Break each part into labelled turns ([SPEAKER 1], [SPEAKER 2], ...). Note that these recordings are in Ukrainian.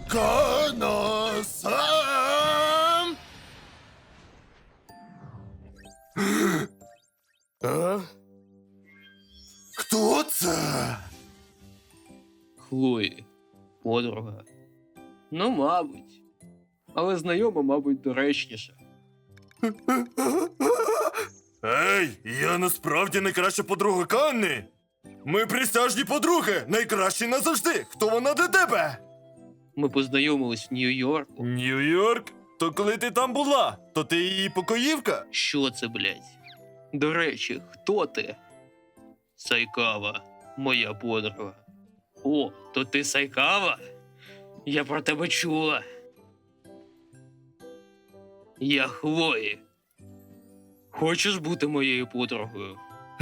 [SPEAKER 1] Кано-сан! А? Хто це?
[SPEAKER 2] Хлої. Подруга. Ну, мабуть. Але знайома, мабуть, доречніше.
[SPEAKER 1] Ей, я насправді найкраща подруга Канни. Ми присяжні подруги, найкращі назавжди. Хто вона для тебе?
[SPEAKER 2] Ми познайомились в Нью-Йорку.
[SPEAKER 1] Нью-Йорк? То коли ти там була, то ти її покоївка?
[SPEAKER 2] Що це, блядь? До речі, хто ти? Сайкава, моя подруга. О, то ти Сайкава? Я про тебе чула. Я Хлої. Хочеш бути моєю подругою?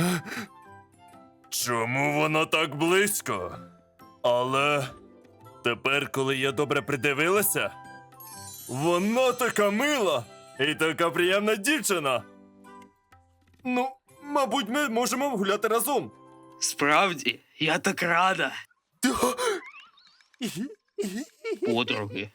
[SPEAKER 1] Чому вона так близько? Але тепер, коли я добре придивилася, вона така мила і така приємна дівчина. Ну, мабуть, ми можемо гуляти разом.
[SPEAKER 2] Справді, я так рада. Подруги.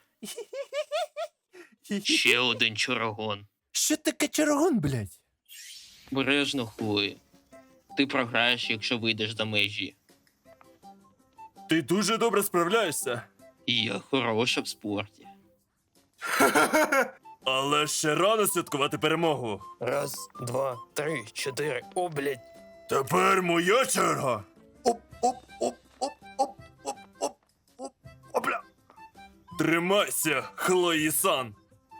[SPEAKER 2] Ще один чорогон.
[SPEAKER 1] Що таке чарогон, блядь?
[SPEAKER 2] Бережно, Хлої. Ти програєш, якщо вийдеш за межі.
[SPEAKER 1] Ти дуже добре справляєшся.
[SPEAKER 2] І я хороша в спорті.
[SPEAKER 1] Але ще рано святкувати перемогу.
[SPEAKER 3] Раз, два, три, чотири. О, блядь.
[SPEAKER 1] Тепер моя черга. Оп. Опля. Тримайся, Хлої-сан.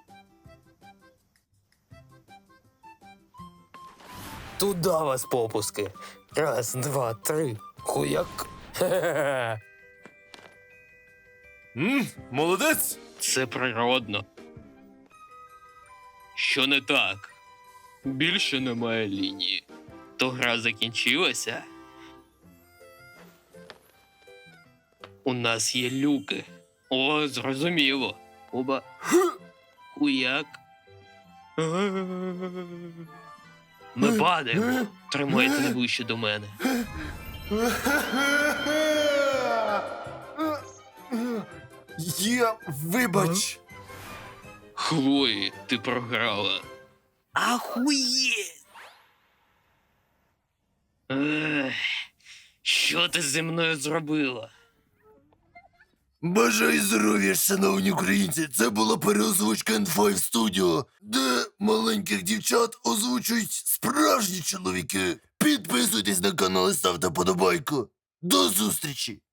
[SPEAKER 3] Туда вас попуски. Раз, два, три. Хуяк. Хе-хе-хе.
[SPEAKER 1] Молодець.
[SPEAKER 2] Це природно. Що не так? Більше немає лінії. То гра закінчилася. У нас є люки. О, зрозуміло. Оба. Хуяк. Ми падаємо. Тримайте найближче до мене.
[SPEAKER 1] Вибач.
[SPEAKER 2] Хлої, ти програла. Ахуєть! Ех, що ти зі мною зробила?
[SPEAKER 1] Бажаю здоров'я, шановні українці! Це була переозвучка N5 Studio, де маленьких дівчат озвучують справжні чоловіки. Підписуйтесь на канал і ставте подобайку. До зустрічі!